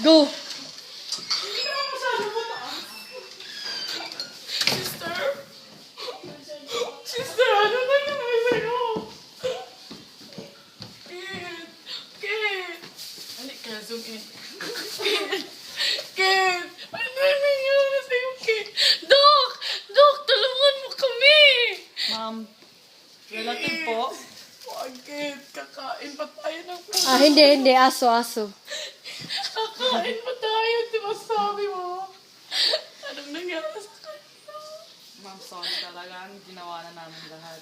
Go! Hindi ka naman masyado mataas. Sister? Sister, ano nangyari sa'yo? Kid! Kid! Hindi ka, zoom in. Kid! Kid! Ano nangyari sa'yo, Kid? Dok! Dok, tulungan mo kami! Ma'am, relative po. Wag, Kid. Kakain pa tayo ng Ah, hindi. Aso. Kakain pa tayo, di ba sabi mo? Anong nangyari sa kanya? Ma'am, sorry talaga. Ginawa na namin lahat.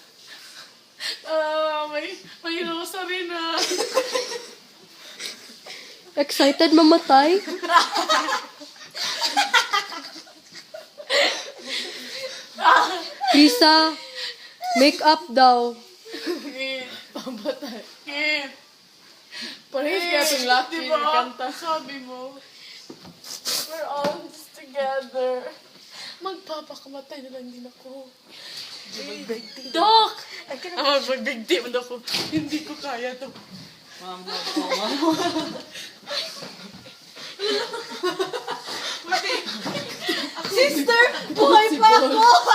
May rosa rin ah. Excited mamatay? Lisa, make up daw. Kid, pamatay. Kid. Parehas kaya itong lucky diba? Kanta. Sabi mo, we're all together. Magpapakamatay na lang din ako. Doc! Mag-big ako. Hindi ko kaya to. Ma'am, wag po, ma'am. Sister, buhay pa ako!